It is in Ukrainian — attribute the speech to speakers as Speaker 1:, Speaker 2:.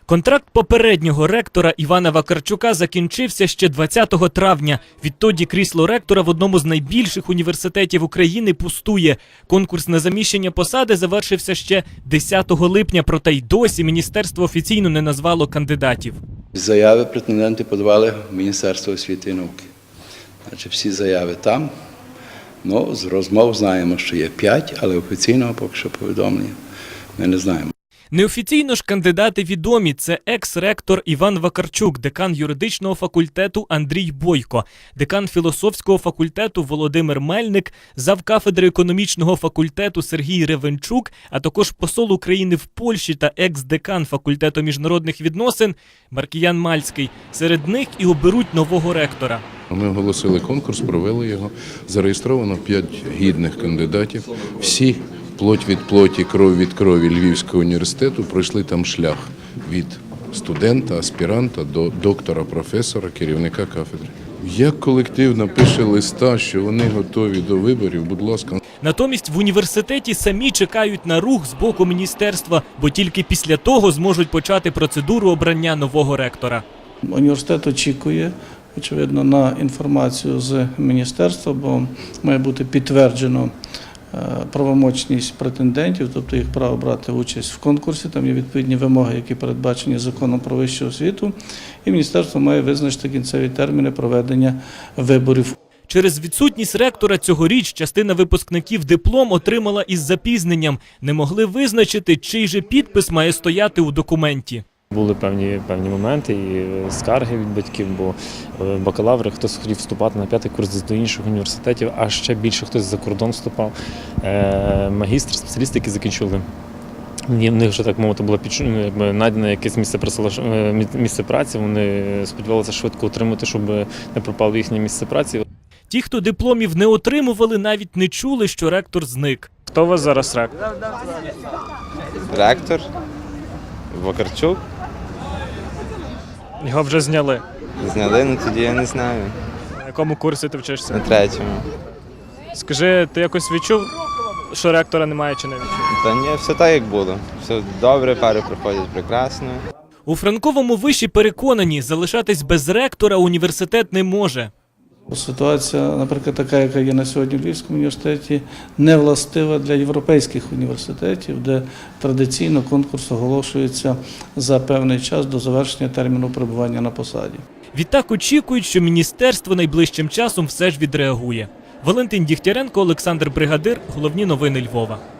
Speaker 1: Контракт попереднього ректора Івана Вакарчука закінчився ще 20 травня. Відтоді крісло ректора в одному з найбільших університетів України пустує. Конкурс на заміщення посади завершився ще 10 липня, проте й досі міністерство офіційно не назвало кандидатів.
Speaker 2: Заяви претенденти подавали в Міністерство освіти і науки. Значить, всі заяви там. З розмов знаємо, що є 5, але офіційного поки що повідомлення ми не знаємо.
Speaker 1: Неофіційно ж кандидати відомі. Це екс-ректор Іван Вакарчук, декан юридичного факультету Андрій Бойко, декан філософського факультету Володимир Мельник, завкафедри економічного факультету Сергій Ревенчук, а також посол України в Польщі та екс-декан факультету міжнародних відносин Маркіян Мальський. Серед них і оберуть нового ректора.
Speaker 3: Ми оголосили конкурс, провели його. Зареєстровано 5 гідних кандидатів. Всі плоть від плоті, кров від крові Львівського університету пройшли там шлях від студента, аспіранта до доктора, професора, керівника кафедри. Як колектив напише листа, що вони готові до виборів, будь ласка.
Speaker 1: Натомість в університеті самі чекають на рух з боку міністерства, бо тільки після того зможуть почати процедуру обрання нового ректора.
Speaker 4: Університет очікує, очевидно, на інформацію з міністерства, бо має бути підтверджено правомочність претендентів, тобто їх право брати участь в конкурсі. Там є відповідні вимоги, які передбачені законом про вищу освіту, і міністерство має визначити кінцеві терміни проведення виборів.
Speaker 1: Через відсутність ректора цьогоріч частина випускників диплом отримала із запізненням. Не могли визначити, чий же підпис має стояти у документі.
Speaker 5: Були певні моменти і скарги від батьків, бо бакалаври, хтось хотів вступати на 5-й курс до інших університетів, а ще більше хтось за кордон вступав. Магістри, спеціалісти, які закінчили, в них вже, так мовити, було знайдено якесь місце праці, вони сподівалися швидко отримати, щоб не пропало їхнє місце праці.
Speaker 1: Ті, хто дипломів не отримували, навіть не чули, що ректор зник.
Speaker 5: Хто у вас зараз ректор?
Speaker 6: Ректор Вакарчук.
Speaker 1: Його вже зняли.
Speaker 6: Зняли, тоді я не знаю.
Speaker 1: На якому курсі ти вчишся?
Speaker 6: На 3-му.
Speaker 1: Скажи, ти якось відчув, що ректора немає чи не відчув?
Speaker 6: Та ні, все так, як було. Все добре, пари проходять прекрасно.
Speaker 1: У Франковому виші переконані, залишатись без ректора університет не може.
Speaker 4: Ситуація, наприклад, така, яка є на сьогодні в Львівському університеті, не властива для європейських університетів, де традиційно конкурс оголошується за певний час до завершення терміну перебування на посаді.
Speaker 1: Відтак очікують, що міністерство найближчим часом все ж відреагує. Валентин Дігтяренко, Олександр Бригадир. Головні новини Львова.